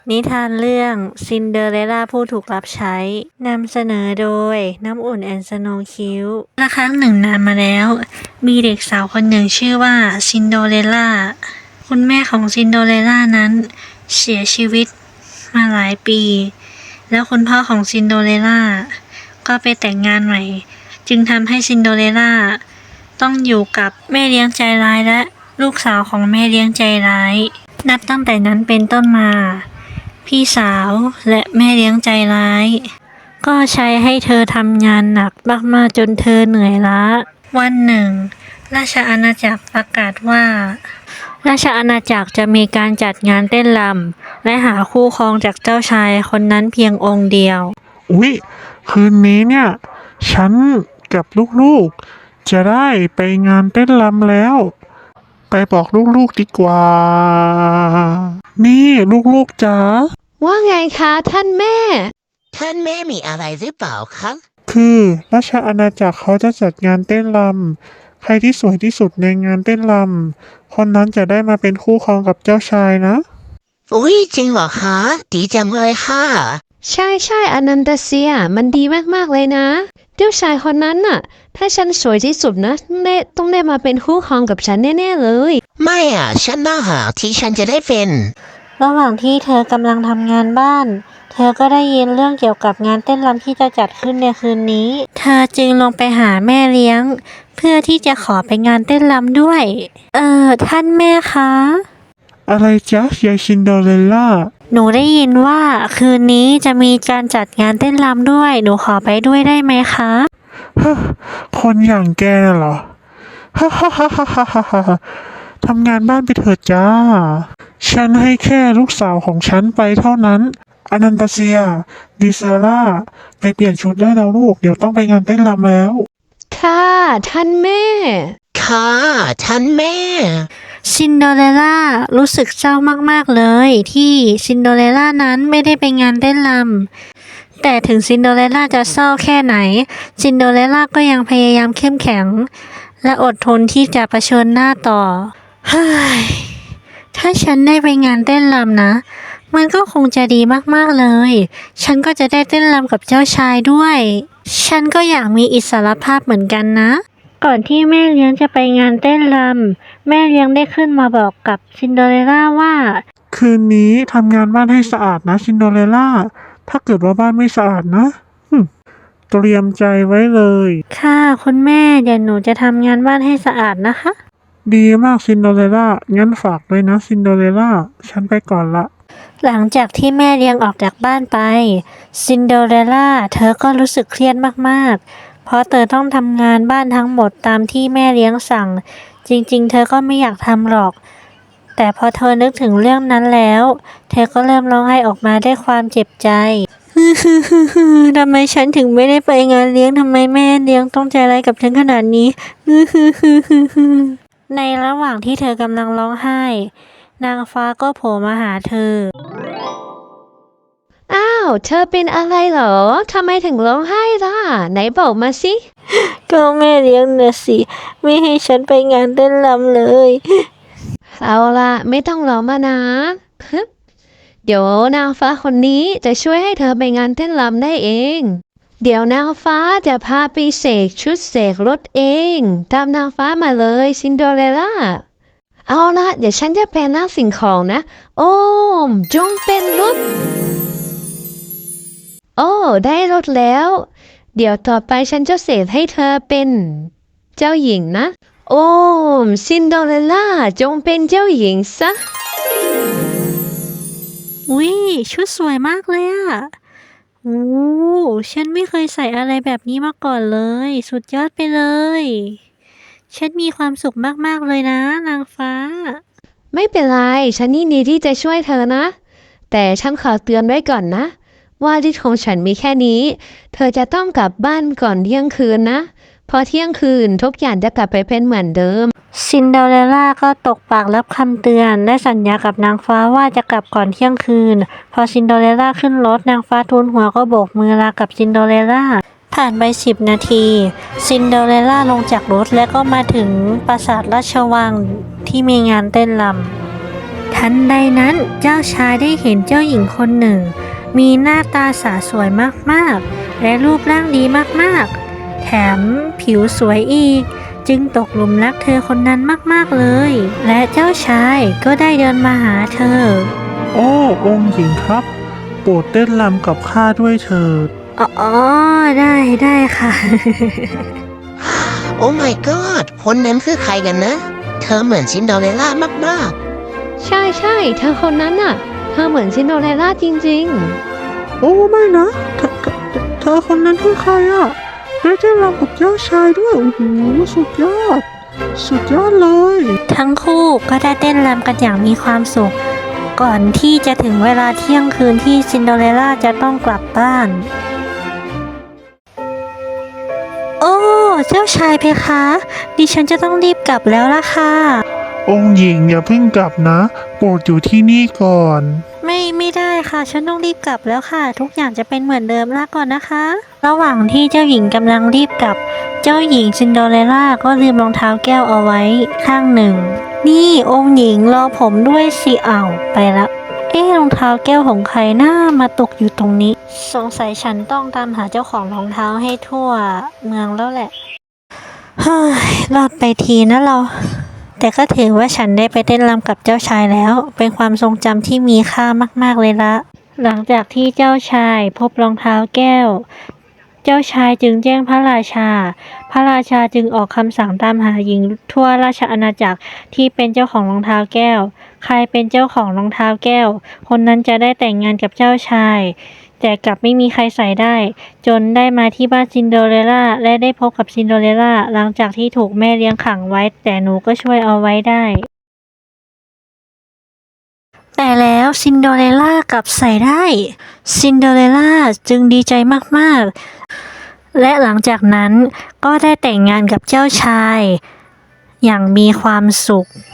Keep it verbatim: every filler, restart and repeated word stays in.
นิทานเรื่องซินเดอเรลล่าผู้ถูกรับใช้นำเสนอโดยน้ำอุ่นแอนด์สโนว์คิวละครั้งหนึ่งนานมาแล้วมีเด็กสาวคนหนึ่งชื่อว่าซินโดเรลล่าคุณแม่ของซินโดเรลล่านั้นเสียชีวิตมาหลายปีแล้วคุณพ่อของซินโดเรลล่าก็ไปแต่งงานใหม่จึงทำให้ซินโดเรลล่าต้องอยู่กับแม่เลี้ยงใจร้ายและลูกสาวของแม่เลี้ยงใจร้ายนับตั้งแต่นั้นเป็นต้นมาพี่สาวและแม่เลี้ยงใจร้ายก็ใช้ให้เธอทำงานหนักมากๆจนเธอเหนื่อยล้าวันหนึ่งราชอาณาจักรประกาศว่าราชอาณาจักรจะมีการจัดงานเต้นรำและหาคู่ครองจากเจ้าชายคนนั้นเพียงองค์เดียวอุ๊ยคืนนี้เนี่ยฉันกับลูกๆจะได้ไปงานเต้นรำแล้วไปบอกลูกๆดีกว่านี่ลูกๆจ๋าว่าไงคะท่านแม่ท่านแม่มีอะไรหรือเปล่าครับคือราชอาณาจักรเขาจะจัดงานเต้นรำใครที่สวยที่สุดในงานเต้นรำคนนั้นจะได้มาเป็นคู่ครองกับเจ้าชายนะอุ้ยจริงเหรอคะดีจังเลยค่ะใช่ใช่อนันตเซียมันดีมากๆเลยนะเจ้าชายคนนั้นน่ะถ้าฉันสวยที่สุดนะต้องได้ต้องได้มาเป็นคู่ครองกับฉันแน่ๆเลยไม่อ่ะฉันน่าหาที่ฉันจะได้เป็นระหว่างที่เธอกำลังทำงานบ้านเธอก็ได้ยินเรื่องเกี่ยวกับงานเต้นรำที่จะจัดขึ้นในคืนนี้เธอจึงลงไปหาแม่เลี้ยงเพื่อที่จะขอไปงานเต้นรำด้วยเอ่อท่านแม่คะอะไรจ๊ะยายซินเดอเรลล่าหนูได้ยินว่าคืนนี้จะมีการจัดงานเต้นรำด้วยหนูขอไปด้วยได้ไหมคะฮะคนอย่างแกน่ะเหรอฮ่าฮ่าฮ่าฮ่าฮ่าฮ่าทำงานบ้านไปเถิดจ้าฉันให้แค่ลูกสาวของฉันไปเท่านั้นอนันตเซียดิซาร่าไปเปลี่ยนชุดได้แล้วลูกเดี๋ยวต้องไปงานเต้นรำแล้วค่ะท่านแม่ค่ะท่านแม่ซินเดอเรลล่ารู้สึกเศร้ามากๆเลยที่ซินเดอเรลล่านั้นไม่ได้ไปงานเต้นรำแต่ถึงซินเดอเรลล่าจะเศร้าแค่ไหนซินเดอเรลล่าก็ยังพยายามเข้มแข็งและอดทนที่จะเผชิญหน้าต่อเฮ้ยถ้าฉันได้ไปงานเต้นรำนะมันก็คงจะดีมากๆเลยฉันก็จะได้เต้นรำกับเจ้าชายด้วยฉันก็อยากมีอิสรภาพเหมือนกันนะก่อนที่แม่เลี้ยงจะไปงานเต้นรำแม่เลี้ยงได้ขึ้นมาบอกกับซินเดอเรลล่าว่าคืนนี้ทำงานบ้านให้สะอาดนะซินเดอเรลล่าถ้าเกิดว่าบ้านไม่สะอาดนะเตรียมใจไว้เลยค่ะคุณแม่เดี๋ยวหนูจะทำงานบ้านให้สะอาดนะคะดีมากซินเดอเรลล่างั้นฝากด้วยนะซินเดอเรลล่าฉันไปก่อนละหลังจากที่แม่เลี้ยงออกจากบ้านไปซินเดอเรลล่าเธอก็รู้สึกเครียดมากๆเพราะเธอต้องทำงานบ้านทั้งหมดตามที่แม่เลี้ยงสั่งจริงๆเธอก็ไม่อยากทำหรอกแต่พอเธอนึกถึงเรื่องนั้นแล้วเธอก็เริ่มร้องไห้ออกมาด้วยความเจ็บใจทำไมฉันถึงไม่ได้ไปงานเลี้ยงทำไมแม่เลี้ยงต้องใจร้ายกับฉันขนาดนี้ในระหว่างที่เธอกำลังร้องไห้นางฟ้าก็โผล่มาหาเธออ้าวเธอเป็นอะไรเหรอทำไมถึงร้องไห้ล่ะไหนบอกมาสิก็แม่เลี้ยงน่ะสิไม่ให้ฉันไปงานเต้นรำเลยเอาล่ะไม่ต้องร้องมานะเดี๋ยวนางฟ้าคนนี้จะช่วยให้เธอไปงานเต้นรำได้เองเดี๋ยวนางฟ้าจะพาไปเสกชุดเสกรถเองตามนางฟ้ามาเลยซินเดอเรลล่าเอาละเดี๋ยวฉันจะแปลงร่างสิ่งของนะโอ้มจงเป็นรถโอ้ได้รถแล้วเดี๋ยวต่อไปฉันจะเสกให้เธอเป็นเจ้าหญิงนะโอ้มซินเดอเรลล่าจงเป็นเจ้าหญิงซะอุ้ยชุดสวยมากเลยอะโอ้ฉันไม่เคยใส่อะไรแบบนี้มาก่อนเลยสุดยอดไปเลยฉันมีความสุขมากๆเลยนะนางฟ้าไม่เป็นไรฉันยินดีที่จะช่วยเธอนะแต่ฉันขอเตือนไว้ก่อนนะว่าฤทธิ์ของฉันมีแค่นี้เธอจะต้องกลับบ้านก่อนเที่ยงคืนนะพอเที่ยงคืนทุกอย่างจะกลับไปเป็นเหมือนเดิมซินเดอเรลล่าก็ตกปากรับคำเตือนและสัญญากับนางฟ้าว่าจะกลับก่อนเที่ยงคืนพอซินเดอเรลล่าขึ้นรถนางฟ้าทูลหัวก็โบกมือลากับซินเดอเรลล่าผ่านไปสิบนาทีซินเดอเรลล่าลงจากรถและก็มาถึงปราสาทราชวังที่มีงานเต้นรำทันใดนั้นเจ้าชายได้เห็นเจ้าหญิงคนหนึ่ง มีหน้าตาสาสวยมากๆ และรูปร่างดีมากๆ แถมผิวสวยอีก จึงตกหลุมรักเธอคนนั้นมากๆเลย และเจ้าชายก็ได้เดินมาหาเธอโอ้องค์หญิงครับ โปรดเต้นรำกับข้าด้วยเถิดอ๋อได้ได้ค่ะโอ้ my god คนนั้นคือใครกันนะ เธอเหมือนซินเดอเรลล่ามากใช่ใช่เธอคนนั้นน่ะ เธอเหมือนซินโดเรลล่าจริงโอ้ไม่นะเธอเธอเธอคนนั้นคือใครอะได้เต้นรำกับเจ้าชายด้วย โอ้โหสุดยอด สุดยอดเลยทั้งคู่ก็ได้เต้นรำกันอย่างมีความสุข ก่อนที่จะถึงเวลาเที่ยงคืนที่ซินโดเรลล่าจะต้องกลับบ้าน โอ้ เจ้าชายเพคะ ดิฉันจะต้องรีบกลับแล้วล่ะค่ะองค์หญิงอย่าเพิ่งกลับนะ โปรดอยู่ที่นี่ก่อนไม่ไม่ได้ค่ะ ฉันต้องรีบกลับแล้วค่ะ ทุกอย่างจะเป็นเหมือนเดิมลาก่อนนะคะ ระหว่างที่เจ้าหญิงกำลังรีบกลับ เจ้าหญิงซินโดเรลล่าก็ลืมรองเท้าแก้วเอาไว้ข้างหนึ่ง นี่องค์หญิงรอผมด้วยสิอ้าวไปละเอ๊ะรองเท้าแก้วของใครหน้ามาตกอยู่ตรงนี้ สงสัยฉันต้องตามหาเจ้าของรองเท้าให้ทั่วเมืองแล้วแหละเฮ้ยรอดไปทีนะเรา แต่ก็ถือว่าฉันได้ไปเต้นรำกับเจ้าชายแล้ว เป็นความทรงจำที่มีค่ามากๆเลยละ หลังจากที่เจ้าชายพบรองเท้าแก้ว เจ้าชายจึงแจ้งพระราชา พระราชาจึงออกคำสั่งตามหาหญิงทั่วราชอาณาจักรที่เป็นเจ้าของรองเท้าแก้ว ใครเป็นเจ้าของรองเท้าแก้ว คนนั้นจะได้แต่งงานกับเจ้าชาย แต่กลับไม่มีใครใส่ได้ จนได้มาที่บ้านซินโดเรลล่าและได้พบกับซินโดเรลล่าหลังจากที่ถูกแม่เลี้ยงขังไว้ แต่หนูก็ช่วยเอาไว้ได้ แต่แล้วซินโดเรลล่ากลับใส่ได้ ซินโดเรลล่าจึงดีใจมากๆ และหลังจากนั้นก็ได้แต่งงานกับเจ้าชาย อย่างมีความสุข